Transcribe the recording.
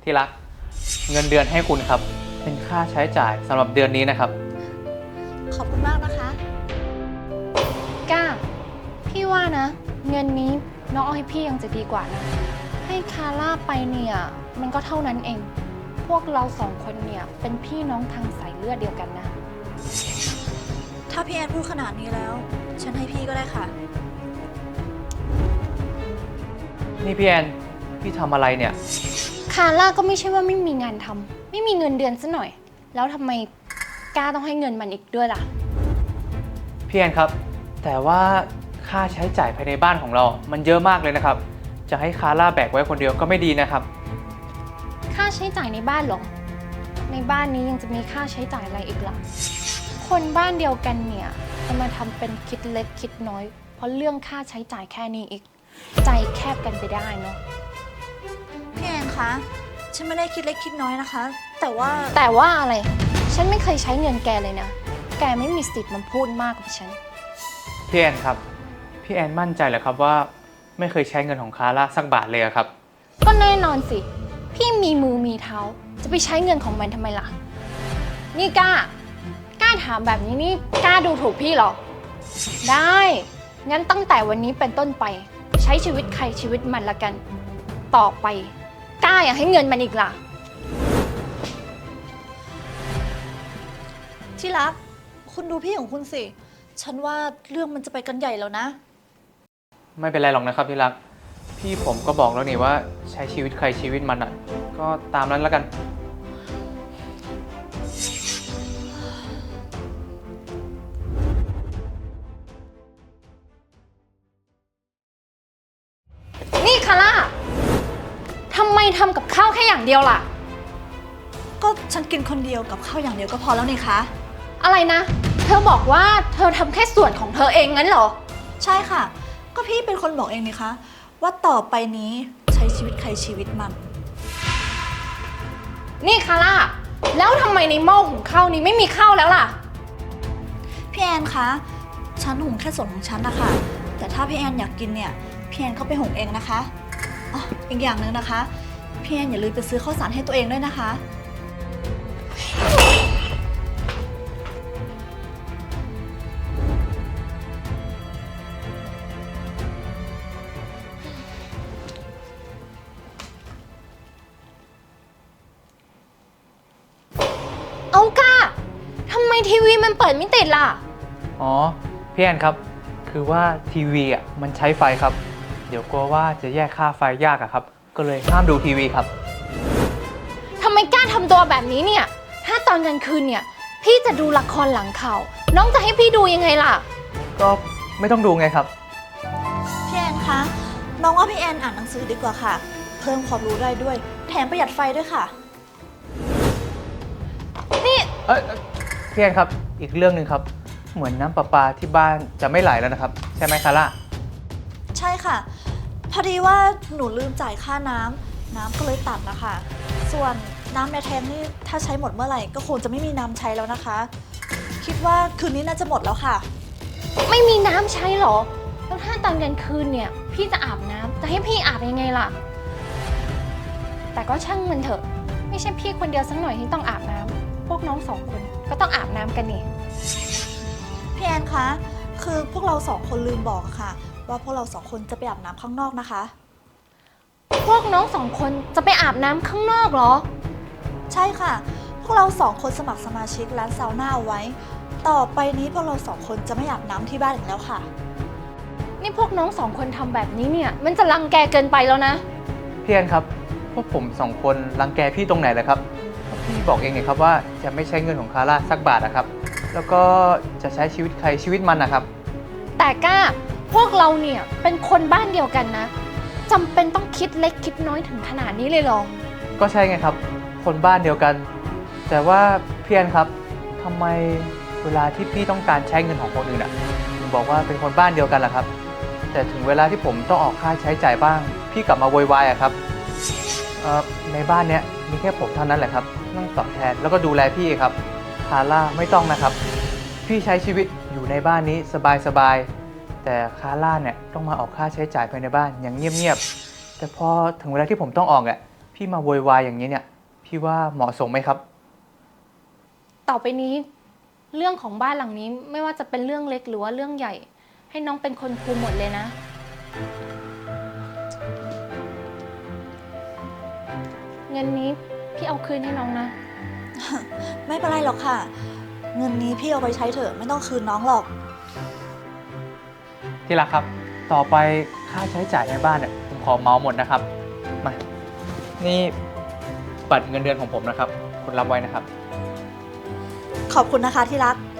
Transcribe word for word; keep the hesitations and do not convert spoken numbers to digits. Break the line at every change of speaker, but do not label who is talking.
ที่รักเงินเดือนให้คุณครับเป็นค่าใช้จ่ายสำหรับเดือนนี้นะครับ
ขอบคุณมากนะคะก้าพี่ว่านะเงินนี้น้องเอาให้พี่ยังจะดีกว่านะให้คาร่าไปเนี่ยมันก็เท่านั้นเอง พวกเราสองคนเนี่ยเป็นพี่น้องทางสายเลือดเดียวกันนะ
ถ้าพี่แอนพูดขนาดนี้แล้วฉันให้พี่ก็ได้ค่ะ
นี่พี่แอนพี่ทำอะไรเนี่ย
คาร่าก็ไม่ใช่ว่าไม่มีงานทำไม่มีเงินเดือนซะหน่อยแล้วทำไมก้าต้องให้เงินมันอีกด้วยล่ะ
พี่แอนครับแต่ว่าค่าใช้จ่ายภายในบ้านของเรามันเยอะมากเลยนะครับจะให้คาร่าแบกไว้คนเดียวก็ไม่ดีนะครับ
ค่าใช้จ่ายในบ้านเหรอในบ้านนี้ยังจะมีค่าใช้จ่ายอะไรอีกล่ะคนบ้านเดียวกันเนี่ยจะมาทำเป็นคิดเล็กคิดน้อยเพราะเรื่องค่าใช้จ่ายแค่นี้อีกใจแคบกันไปได้เนาะ
พี่แอนคะฉันไม่ได้คิดเล็กคิดน้อยนะคะ แต่ว่า
แต่ว่าอะไรฉันไม่เคยใช้เงินแกเลยนะแกไม่มีสิทธิ์มาพูดมากกับฉัน
พี่แอนครับพี่แอนมั่นใจเหรอครับว่าไม่เคยใช้เงินของคาร่าสักบาทเลยครับ
ก็แน่นอนสิพี่มีมือมีเท้าจะไปใช้เงินของมันทำไมล่ะนี่กล้ากล้าถามแบบนี้นี่กล้าดูถูกพี่เหรอได้งั้นตั้งแต่วันนี้เป็นต้นไปใช้ชีวิตใครชีวิตมันละกันต่อไปกล้าอย่าให้เงินมันอีกล่ะ
ที่รักคุณดูพี่ของคุณสิฉันว่าเรื่องมันจะไปกันใหญ่แล้วนะ
ไม่เป็นไรหรอกนะครับที่รักพี่ผมก็บอกแล้วนี่ว่าใช้ชีวิตใครชีวิตมันอ่ะก็ตามนั้นแล้วกัน
นี่คาร่าทำไมทำกับข้าวแค่อย่างเดียวล่ะ
ก็ฉันกินคนเดียวกับข้าวอย่างเดียวก็พอแล้วนี่คะ
อะไรนะเธอบอกว่าเธอทำแค่ส่วนของเธอเองงั้นเหรอ
ใช่ค่ะก็พี่เป็นคนบอกเองนี่คะว่าต่อไปนี้ใช้ชีวิตใครชีวิตมัน
นี่คาร่าแล้วทำไมในหม้อหุงข้าวนี้ไม่มีข้าวแล้วล่ะ
พี่แอนคะฉันหุงแค่ส่วนของฉันนะคะแต่ถ้าพี่แอนอยากกินเนี่ยพี่แอนเข้าไปหุงเองนะคะอ๋ออีกอย่างหนึ่งนะคะพี่แอนอย่าลืมไปซื้อข้าวสารให้ตัวเองด้วยนะคะ
เอาก้าทำไมทีวีมันเปิดไม่ติดล่ะ
อ๋อพี่แอนครับคือว่าทีวีอ่ะมันใช้ไฟครับเดี๋ยวกลัวว่าจะแยกค่าไฟยากอะครับก็เลยห้ามดูทีวีครับ
ทำไมกล้าทำตัวแบบนี้เนี่ยถ้าตอนกลางคืนเนี่ยพี่จะดูละครหลังข่าวน้องจะให้พี่ดูยังไงล่ะ
ก็ไม่ต้องดูไงครับ
พี่แอนคะน้องว่าพี่แอนอ่านหนังสือดีกว่าค่ะเพิ่มความรู้ได้ด้วยแถมประหยัดไฟด้วยค่ะ
นี่
เอ้ยพี่แอนครับอีกเรื่องหนึ่งครับเหมือนน้ำประปาที่บ้านจะไม่ไหลแล้วนะครับใช่ไหมคาร่า
ใช่ค่ะพอดีว่าหนูลืมจ่ายค่าน้ำน้ำก็เลยตัดนะคะส่วนน้ำในแทงนี่ถ้าใช้หมดเมื่อไหร่ก็คงจะไม่มีน้ำใช้แล้วนะคะคิดว่าคืนนี้น่าจะหมดแล้วค่ะ
ไม่มีน้ำใช้หรอแล้วถ้าตอนกลางคืนเนี่ยพี่จะอาบน้ำจะให้พี่อาบยังไงล่ะแต่ก็ช่างมันเถอะไม่ใช่พี่คนเดียวสักหน่อยที่ต้องอาบน้ำพวกน้องสองคนก็ต้องอาบน้ำกันนี่
พี่แอนคะคือพวกเราสองคนลืมบอกค่ะว่าพวกเราสองคนจะไปอาบน้ำข้างนอกนะคะ
พวกน้องสองคนจะไปอาบน้ำข้างนอกเหรอ
ใช่ค่ะพวกเราสองคนสมัครสมาชิกร้านซาวน่าเอาไว้ต่อไปนี้พวกเราสองคนจะไม่อาบน้ำที่บ้านอีกแล้วค่ะ
นี่พวกน้องสองคนทำแบบนี้เนี่ยมันจะรังแกเกินไปแล้วนะ
พี่แอนครับพวกผมสองคนรังแกพี่ตรงไหนเลยครับพี่บอกเองไงครับว่าจะไม่ใช้เงินของคาร่าสักบาทนะครับแล้วก็จะใช้ชีวิตใครชีวิตมันนะครับ
แต่ก้าพวกเราเนี่ยเป็นคนบ้านเดียวกันนะจำเป็นต้องคิดเล็กคิดน้อยถึงขนาดนี้เลยหรอ
ก็ใช่ไงครับคนบ้านเดียวกันแต่ว่าพี่แอนครับทำไมเวลาที่พี่ต้องการใช้เงินของคนอื่นอ่ะถึงบอกว่าเป็นคนบ้านเดียวกันล่ะครับแต่ถึงเวลาที่ผมต้องออกค่าใช้จ่ายบ้างพี่กลับมาโวยวายอะครับในบ้านเนี้ยมีแค่ผมเท่านั้นแหละครับต้องตอบแทนแล้วก็ดูแลพี่ครับคาร่าไม่ต้องนะครับพี่ใช้ชีวิตอยู่ในบ้านนี้สบายๆแต่คาร่าเนี่ยต้องมาออกค่าใช้จ่ายภายในบ้านอย่างเงียบๆแต่พอถึงเวลาที่ผมต้องออกอ่ะพี่มาโวยวายอย่างนี้เนี่ย พี่ว่าเหมาะสมไหมครับ
ต่อไปนี้ เรื่องของบ้านหลังนี้ไม่ว่าจะเป็นเรื่องเล็กหรือว่าเรื่องใหญ่ ให้น้องเป็นคนคุมหมดเลยนะ เงินนี้พี่เอาคืนให้น้องนะ
ไม่เป็นไรหรอกค่ะ เงินนี้พี่เอาไปใช้เถอะไม่ต้องคืนน้องหรอก
ที่รักครับ ต่อไปค่าใช้จ่ายในบ้านเนี่ยผมขอเมาหมดนะครับ มา นี่บัตรเงินเดือนของผมนะครับ คุณรับไว้นะครับ
ขอบคุณนะคะที่รัก